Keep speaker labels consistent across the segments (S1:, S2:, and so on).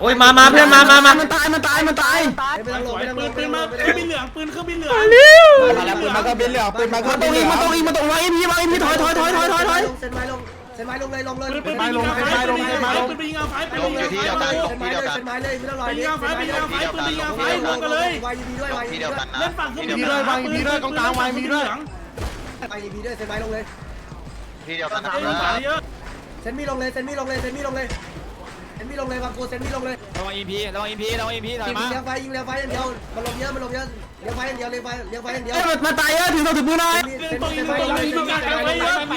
S1: โอ้ยมาเพื่อนมา
S2: มันตาย
S3: ไม่ต้องลงไม่ต้องลงปืนมาเครื่องบินเหลืองปืนเครื่องบินเหลืองมาแล้วปืนมาก็บินเหลืองปืนมาก็บินเหลืองมาตรงวางพี่ถอยเส้นไม้ลงเลยปืนไปลงปืนไปยิงเอาไฟปืนไปยิงเอาไฟ
S4: ที่เดียวกันที่เดียวกัน
S3: เส้นไม้เลยไม่ต้องลอยปืนยิงเอาไฟปืนยิงเอาไฟลงกันเลยวางยีพีด้วยวางยีพีด้วยเล่นฝั่งเครื่องบินเลยวางยีพีด้วยกองกลางวางยีพีด้วยวางยีพีด้วยเส้นไม้ลงเลย
S4: ที่เดียวกันนะ
S3: เส้นมีลงเลยบางกูเส้นมีลงเลย
S2: ระวังอิมพีถอยมา
S3: ยิงเลี้ยงไฟอย่างเดียวมันลงเยอะเลี้ยงไฟอย่างเดียว
S2: มันตายเยอะถึงมือหน่อย
S3: ถือศพ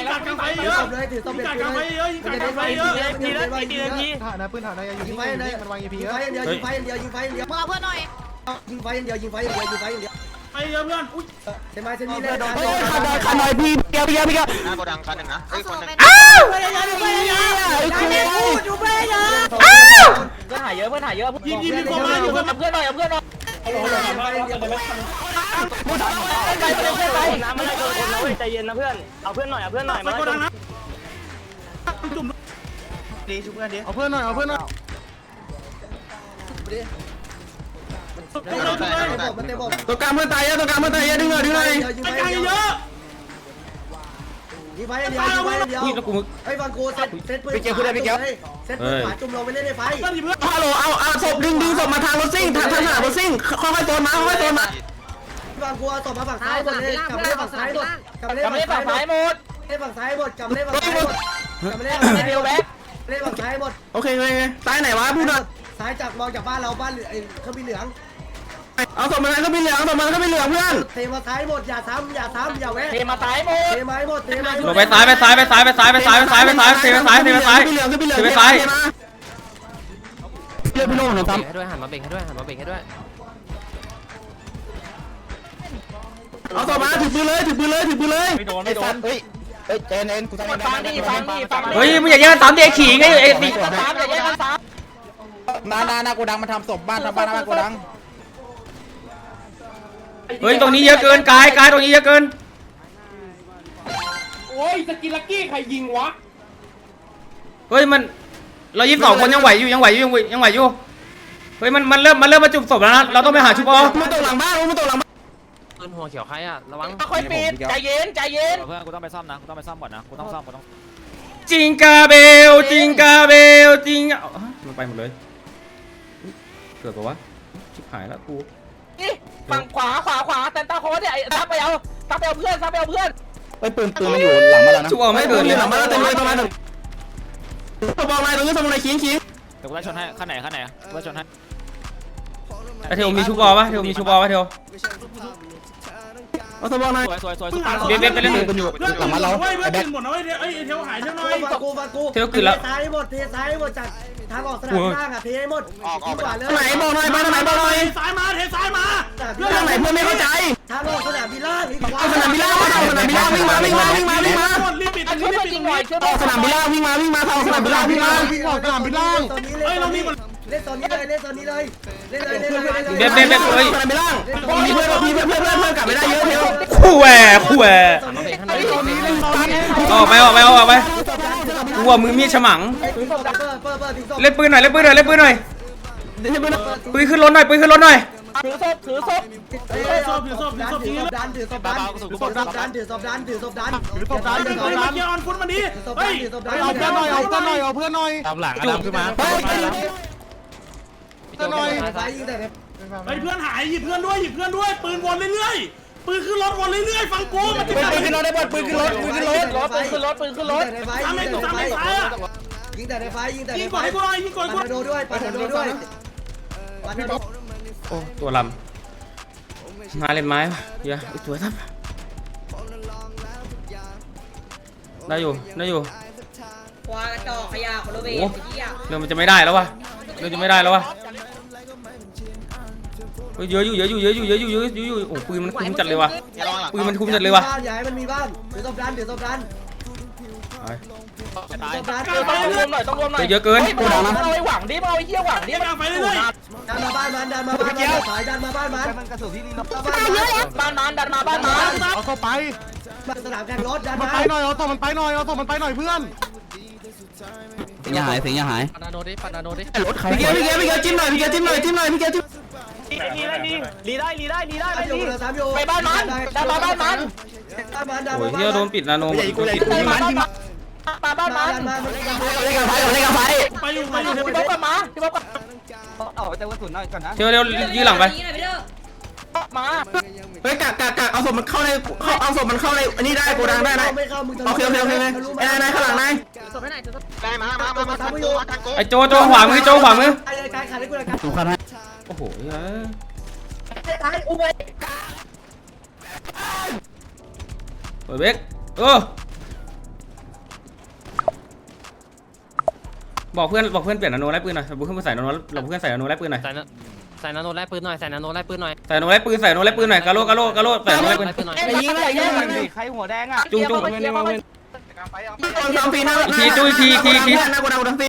S3: เลยมันจะได้ไฟเยอะ
S5: ถ่ายนะปืนถ่ายนะอยู่ที่มันวาง EP
S3: ยิงไฟอย่างเดียวยิงไฟอย่างเดียว
S6: มาเพื่อนหน่อย
S3: ยิงไฟอย่างเดียวไปเยอะเพื่อนอุ้ยเส้นไม้เส้นนี้เลย
S2: ขันหน่อยพี่เกียว
S4: หน้าโกดังคันหนึ่งนะเฮ้ยคนหนึ่ง
S6: เพื่อนหายเยอะ
S3: ยิงมีคนมาอยู่เพื่อน
S6: เพื่อนหน่อยน้ำมันอะไรโดนนะเว้ยใจเย็นนะเพื่อนเอาเพื่อนหน่อย
S3: ไปโกดังนะจุ่ม
S5: ดีชุบเพื่อนดิเอาเพื่อนหน่อย
S3: มันเต็มบอก
S2: ตัวกลางเพื่อนตายเยอะดึงหน่อย
S3: ยิงไฟเยอะยิงไฟอย่างเดียวไอ้บางกูเซตปืนเซตปืนขวาจุ่มลงไปเล่นในไฟ
S2: ฮัลโหลเอาศพดึงศพมาทางรถซิ่งทางสนามรถซิ่งค่อยๆโซนมา
S3: บางกูเอาศพมาฝั่งซ้ายหมดเลยกลับมาเล่นฝั่งซ้ายหมดกลับมาเล่น
S6: กำลัง
S3: ฝั่ง
S6: ฝั่ง
S3: ซ้าย
S6: ซ้ายหมด
S3: เล่นฝั่งซ้ายหมดกลับมาเล่นฝั่งซ้ายหมดกลับมาเล่นฝั่งซ้าย
S6: เดียวแบ็ค
S3: เล่นฝั่งซ้ายหมด
S2: โอเคซ้ายไหนวะพูดหน่อย
S3: ซ้ายจากมองจากบ้านเราบ้านไอ้เครื่องบินเหลือง
S2: เอาศพมาก็มีเหลืองเพื่อน
S3: เทมาซ้ายหมดอย่าซ้ำอย่าแวะ
S6: เทมาซ้ายหมด
S3: เทไม้หมด
S1: ลงไปซ้ายเทไปซ้าย
S2: เหลืองก็มีเหลืองเรียกพี่โน่หน่อยซ้ำ
S7: ให้ด้วยหันมาเบ่งให้ด้วย
S2: เอาศพมาถือปืนเลย
S6: ไม่โดนเฮ้ย
S5: เจนเอ็นกูทำ
S6: ฟังดิ
S1: เฮ้ยมึงอย่าแย่งกันตามเด็กขี่ไงไอ้ดิ
S6: ซ้ำอย่าแย่งกันซ้
S5: นากูดังมาทำศพบ้านกูดัง
S1: เฮ้ยตรงนี้เยอะเกินกายตรงนี้เยอะเกิน
S8: โอ้ยสกิลลักกี้ใครยิงวะ
S1: เฮ้ยมันเรา22คนยังไหวอยู่เฮ้ยมันเริ่มมาจุ่มศพแล้วนะเราต้องไปหาชุบอ
S2: มันตกหลังบ้าน
S7: ปืนหัวเขียวใครอะระวัง
S6: ำค่อยปิดใจเย็น
S7: เพื่อนกูต้องไปซ่อมนะกูต้องก่อนนะ
S1: จิงกาเบลมันไปหมดเลยเกิดปะวะชิบหายแล้วกู
S6: นี่ฝั่งขวาแต่ตาโค้ดเนี่ยซับไปเอาเพื่อน
S5: ไอ้ปืนมันอยู่หลังมาแล้วนะ
S1: ชุบอไม่เกิดเลย
S2: หลังบ้านเต็มเลยประมาณนึงบอกนายตรงนี้ทำอะไรขิง
S7: เดี๋ยวกูไล่ชนให้ข้างไหนกูไล่ชนให้
S1: เทวมีชุบอปะเทว
S2: เอาศพบอกนาย
S7: สวย
S1: เบ๊ไปเล่น
S5: มันอยู่หลังมาเรา
S3: ไอ้แบ็คหมดนะไอ้เทวหายเท่าน้อยฟังกูเทซ้ายหมดจากทางออกสนามล่างอ่ะเทให้หมดยิงกว่าเลย
S2: ไหนบอกหน่อยไปไหนบอกหน่อย
S3: ซ้ายมาเทซ้ายมา
S2: ทางไหนเพื่อนไม่เข้าใจ
S3: ทางออกสนามบินล่าง
S2: สนามบินล่างวิ่งมา
S3: รีบปิด
S6: ช่วยเพื่อนยิงหน่อยช่วย
S2: สนามบินล่างวิ่งมาทางสนามบินล่างวิ่งมา
S3: สนามบินล่างตอนนี้เล่นตอนนี้เลยเล่น
S1: เบ๊
S2: เฮ้ยสนามบินล่างมีเพื่อนกลับไม่ได้เยอะเทว
S1: คู่แหวออกไปกูว่ามือมีดฉมังเล่นปืนหน่อยปืนขึ้นรถหน่อย
S6: ถือศพ
S3: ดันถือศพดันเกียร์ออนฟุตมาดิเฮ้ย
S5: เอาเพื่อนหน่อย
S7: ตามหลังดำขึ้นมา
S3: ไอ้เพื่อนหายหยิบเพื่อนด้วยปืนวนเรื่อยปืนขึ้นรถวนเรื่อยฟังกูมันจะ
S5: ปืนขึ้นรถได้บอลปืนขึ้นรถ
S6: ปืนขึ้นรถ
S3: ทำให้ซ้ายยิงแต่ในไฟยิงก่อนให้กูหน่อยปาโดด้วย
S1: โอ้ตัวลำมาเล่นไม้เยอะตัวทับได้อยู่
S6: ควากระจอกขยะคนละเวท
S1: เรื่องมันจะไม่ได้แล้ววะเยอะอยู่โอ้ปืนมันคุ้มจัดเลยว่ะ
S3: อย่าให้มันมีบ้านถือศพดันต้องรวมหน่อย
S1: เยอะเกิน
S6: เอาไอ้หวังดิเอาไอ้เหี้ยหวังดิ
S3: ดันมาบ้านมันสายดันมาบ้านมัน
S5: มันกระสุนที่นี่นะ
S6: บ้านมัน
S5: เอาศพไป
S3: สนามแข่งรถดัน
S5: มัน
S3: มา
S5: ไปหน่อยเอาศพมันไปหน่อยเพื่อน
S2: สิงห์หายสิงห์หาย
S7: ปานาโนดิปานาโนดิ
S2: รถใครพี่เกจิ้มหน่อยพี่เกจิ้มหน่อยพี่เกจิ้ม
S6: ลีได้ลีได้ลีได้
S3: 3อยู่3อยู่
S6: ไปบ้านมันดันมาบ้านมัน
S1: โอ้ยเฮียโดนปิดนาโนโดนปิด
S6: มาบ้านมัน
S2: เล่นกับไฟเล่นกับไฟ
S6: ไปอยู่พี่บ๊อบกลับมาพี่บ๊อบกลับเอาแต่กระสุนหน่อยก่อนนะ
S1: เร็วยื้อหลังไป
S6: มา
S2: เฮ้ยกักเอาศพมันเข้าในเอาศพมันเข้าในอันนี้ได้โกดังได้นะ
S3: ไม่เข้ามึง
S2: โอเคนายข้างหลังนาย
S4: ได้มาทันโกทันโก
S1: ไอ้โจขวามือโจขวามือ
S3: ไอ้กายขาดให้กูเลยครับ
S2: ถูกครับ
S1: โอ้โหเปิดเบรกบอกเพื่อนเปลี่ยนนาโนไล่ปืนหน่อยบอกเพื่อนใส่นาโนเราเพื่อนใส่นาโนไล่ปืนหน่อย
S7: ใส่นาโนไล่ปืนหน่อยใส่นาโนไล่ปืนหน่อย
S1: ใส่นาโนไล่ปืนใส่นาโนไล่ปืนหน่อยกาโลใส่นาโนไล่ปืน
S7: ปืนหน่อย
S6: ไอ้ยิงเลยยิงใครหัวแดงอ่ะ
S1: จุ้ง
S2: ตามฟีนะหน้าโกดังฟี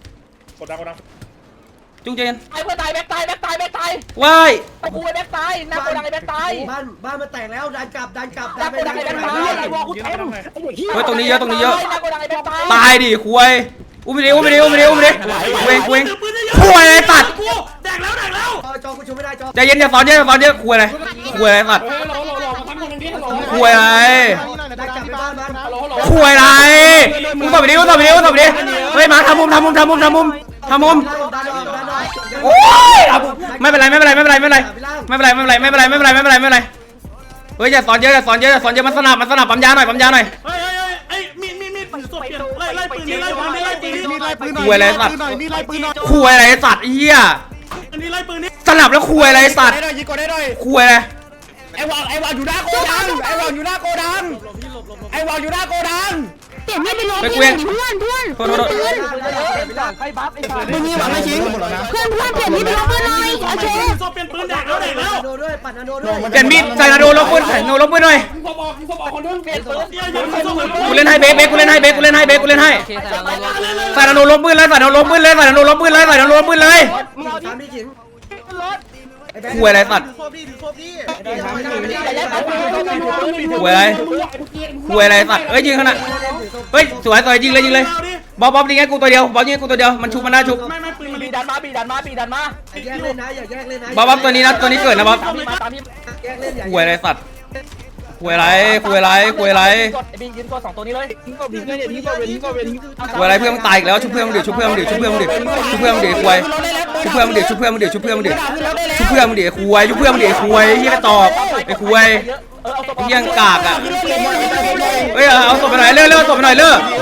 S1: จุ้งเจน
S6: ไอ้เพื่อนตายแบ็คตาย
S1: ว้าย
S6: กูไปแบ็คตายหน้าโกดังไอ้แบ็คตาย
S3: บ้านมันแตกแล้วดันกลับ
S6: หน้าโกดังไอ้แบ็คตายไอ้วอลกูเต็ม
S1: เฮ้ยตรงนี้เยอะ
S6: หน้าโกดังไอ้แบ็คตาย
S1: ตายดิคุยอุ้มไปดิเวงคุยอะไรตัด
S3: จอกูชูไม่ได้จอ
S1: ใจเย็นอย่าสอนเยอะคุยอะไรตัด
S8: เฮ้ยเรามาทำคนหนึ่งดิฮัลโหล
S1: คุยอะไร
S3: ดันกลับไปบ้านมัน
S8: ฮัลโหล
S1: คุยอะไรมึงตบไปดิเฮ้ยมาทำมุมโอ้ยไม่เป็นไรเฮ้ยอย่าสอนเยอะมันสนับปั๊มยาหน่อย
S6: เฮ้ยมีศพเปลี่ยนไล่ปืนนี่ไล่ปืน
S1: คุยอะไรสัตว์คุยอะไรสัตว์เหี้ย
S6: อันนี้ไล่ปืนนี่
S1: สนับแล้วคุยอะไรสัตว์
S5: ได้หน่อยยิงก่อนได้หน่อย
S1: คุยอะไร
S5: ไอ้วางอยู่หน้าโกดังไอ้วางอยู่หน้าโกดัง
S9: เปลี่ยนมีดไปลง
S1: ไป
S9: เพื่
S1: เกวีย
S9: อน นเพื่อนเพื่อน
S1: โทษ
S6: ใครบัฟไอ้สัตว์
S2: มึงนี่หวังไม่ชิง
S9: เพื่อนเปลี่ยนมีดไปลงเพื่อนหน่อยโอเค
S6: ศพเปลี่ยนปืนแดกแล้ว
S3: นาโดด้วยปัดนาโดด้วย
S1: เปลี่ยนมีดใส่นาโนลบปืนหน่อย
S8: ยิงศพออกคนนึง
S6: เปลี่ยนปืน
S1: กูเล่นให้เบกูเล่นให้
S7: โอเคใส่นาโน
S1: ใส่นาโนลบปืนเลยใส่นาโนลบปืนเลย
S3: มึงสามที่ขิง
S1: คุยอะไรสัตว์คุยอะไรสัตว์เอ้ยยิงขนาดเฮ้ยสวยยิงเลยบอสยิงให้กูตัวเดียวมันชุบมันน่าชุบ
S6: ไม่ปืนบีดันมา
S3: แยกเล่นนะอย่าแยกเล่นนะ
S1: บอสตัวนี้เกิดนะบอส
S6: ตามพี่
S3: แยกเล่นอย่า
S1: คุยอะไรสัตว์คุยอะไร
S6: กดไอ้บิงยืนกด2ตัวนี้เลยทิ้งกด
S1: คุยอะไรเพื่อนมึงตายอีกแล้วชุบเพื่อนมึงดิคุยชุบเพื่อนมึงดิคุยชุบเพื่อนมึงดิคุยชุบเพื่อนมึงดิคุยเฮียกระจอกไอ้คุยเฮียกากอ่ะเฮ้ยเอาศพไปหน่อยเลื่อศพไปหน่อย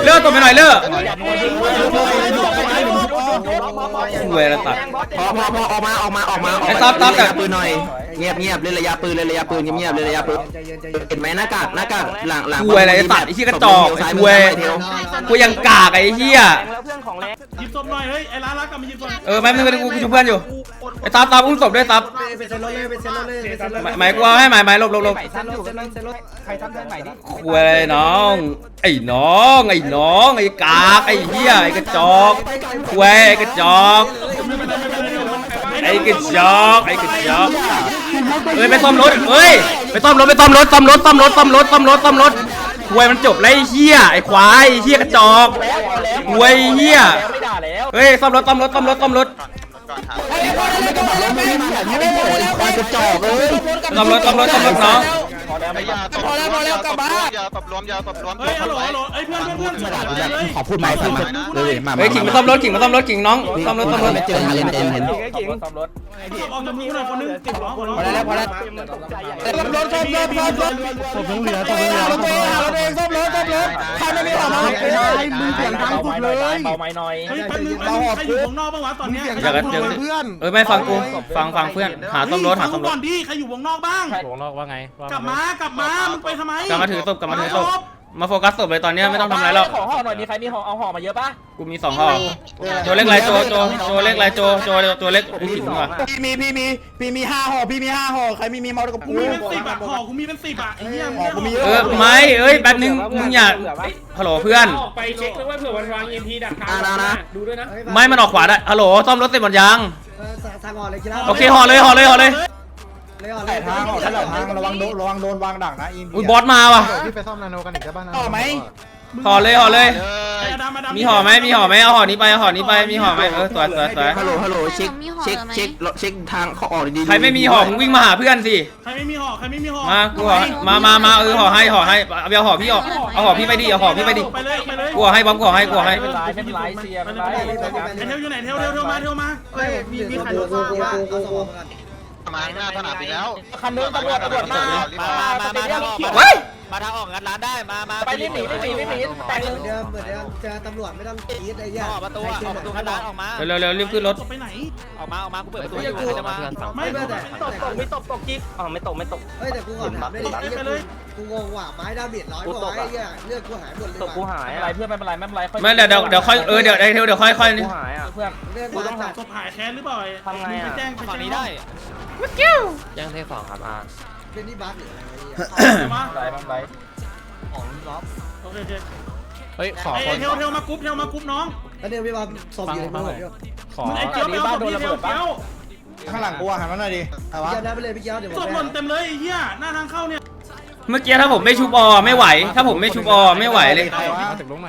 S1: คุยอะไรสัตว์
S2: พอออกมา
S1: ไอ้ซับแต่
S2: ปืนหน่อยเงียบเล่นระยะปืนเงียบเล่นระยะปืนเห็นไหมหน้ากากหลัง
S1: คุยอะไรสัตว์ไอ้เฮียกระจอกไอ้คุยยังกากไอ้เฮีย
S6: แล้วเพื่อนของแรง
S3: หยิบศพหน่อยเฮ้ยไอ้ร้านกลับมาหยิบศพ
S1: ไม่กูชุบเพื่อนอยู่ไอ้ซับอุ้มศพด้วยซับ
S3: เป็นเซนรถเลย
S1: หมายกูเอาให้หมายลบ
S3: เซนรถใครทำเส้นใหม่ดิ
S1: คุยอะไรน้องไอ้กากไอ้เฮียไอ้กระจอกคุยไอ้กระจอกเฮ้ยไปซ่อมรถไปซ่อมรถคุยมันจบแล้วไอ้เฮียไอ้ควายไอ้เฮียกระจอกคุยเฮีย
S6: ไม่ด่าแล้ว
S1: เฮ้ยซ่อมรถ
S4: ก่อนหา
S2: ควายกระจอกเลย
S1: ซ่อมรถน้อง
S4: พอแล้วกลับบ้านอย่าตบรวม
S6: เฮ้ยฮัลโหลไอ้เพื่อน
S2: ขอพูดไหมฟังมาเลยมา
S1: เฮ้ยขิงมาซ่อมรถขิงน้องซ่อมรถ
S2: ไม่เจอเห็น
S6: ซ่อมรถ
S3: ออกจากมือหน่อยคนนึงติดล้อคนนึง
S2: พอแล้ว
S3: ร
S2: รถผมเหลือรถเองซ่อมรถใครไม่มีของมามึงเสียงดังสุดเลย
S6: เบาไม้หน่อย
S3: เฮ้ยแป๊บนึงใครอยู่วงนอกบ้างวะตอนเนี้ย
S1: อยากกันเจอไม่ฟังกูฟังเพื่อนหาซ่อมรถ
S3: ก่อนดิใครอยู่วงนอกบ้าง
S7: วงนอกว่าไง
S3: กลับมามึงไปทำไม
S1: กลับมาถือศพมาโฟกัสศพเลยตอนนี้ไม่ต้องทำอะไรแล้ว
S6: ขอห่อหน่อยมีใครมีห่อเอาห่อมาเยอะปะ
S1: กูมี2ห่อโจเล็กไรโจเล็กไรโจเล็กขิงว่ะ
S5: พี่มี5ห่อใครมีเมากับ
S3: กู
S5: กู
S3: มีเป็น10อ่ะห่อกูมีเป็น10อ่ะไอ้เหี้ย
S1: ไม่แป๊บนึงมึงอย่าฮัลโหลเพื่อน
S8: ออกไปเช็คด้วยว่าเผื่อวันวาง EMP ดักทางดูด้วยนะ
S1: ไม่มันออกขวาได้ฮัลโหลซ่อมรถเสร็จหมดยัง
S3: ทางห่อเลยกีฬา
S1: โอเคห่อเลย
S3: เลยห่อเลย
S5: ทางระวังโดนวางดักนะอิน
S1: อุ้ยบอสมาว่ะ
S5: ต่อไหม
S1: ห่อเลย
S4: ไ
S1: มีห่อไหมมีห่อไหมเอาห่อนี้ไปเอาห่อนี้ไปมีห่อไหมสวย
S2: ฮัลโหลเช็คทางเขาออกดีๆ
S1: ใครไม่มีห่อมึงวิ่งมาหาเพื่อนสิ
S8: ใครไม่มีห่อใครไม่มีห่อ
S1: มากูห่อมาห่อให้เอาห่อพี่เอาห่อพี่ไปดิเอาห่อพี่ไปดิ
S8: ไปเลยไปเลย
S1: กูห่อให้บ๊อบกูห่อให้กูห่อให้
S6: ไม่เป็นไรเสียไม่เป็นไร
S8: ไอเทลอยู่ไหนเทลมา
S3: เฮ้ยมีใครรู้ว่าเอาสมองกัน
S4: มาหน้าสนามบินแล้ว
S6: คันนึงตำรวจมา
S1: เว้ย
S7: มาทางออกงัดร้านได้มา
S6: ไปรีบหนีแต่งเลย
S3: เดิมเหมือนเดิมเจอตำรวจไม่ต้องกรี๊ดไอ้เหี้ย
S7: ออกประตูงัดร้านออกมา
S1: เร็วรีบขึ้นรถ
S8: ไปไหน
S7: ออกมากูเปิดประตูอยู่ใครจะมา
S8: ไม่แต่
S6: ไม่ตกจิ๊กไม่ตก
S3: เฮ้ยแต่กูก่อนถามได้ดิกูงงว่ะไม้ดาเมจ100กว่าไอ้เหี้ยเลือดกูหายหมดเลย
S6: ตกกูหายอะไรเพื่อนไม่เป็นไร
S1: ไม่เดี๋ยวค่อยเดี๋ยวเดี๋ยวค่อยนี่
S6: กูหายอ่ะเพื่อน
S3: เลือด
S6: กูต้องหา
S8: ศพหายแค้นหรือเปล่าไปแจ้ง
S7: ฝั่งนี้ได้ยังเท2ครับอา
S3: เป็นนี่บัสหรืออะไร
S8: มา
S6: อะไร
S8: โอเค
S7: เฮ้ยขอ
S8: ไอเทลมากรุ๊ปน้อง
S3: แล้วเนี่ยพี่บอลศพอยู่ในมือผม
S6: ขอ
S8: ไอเกียวไปเอาศพพี่เทล
S2: ข้างหลังกูหันมาหน่อยดิแต่ว่า
S3: เกียวนะไปเลยพี่เกียวเดี๋ยวผม
S8: ศพหล่นเต็มเลยไอ้เหี้ยหน้าทางเข้าเนี่ย
S1: เมื่อกี้ถ้าผมไม่ชุบไม่ไหว ถ้าผมไม่ชุบไม่ไหวเลย
S2: ใครวะ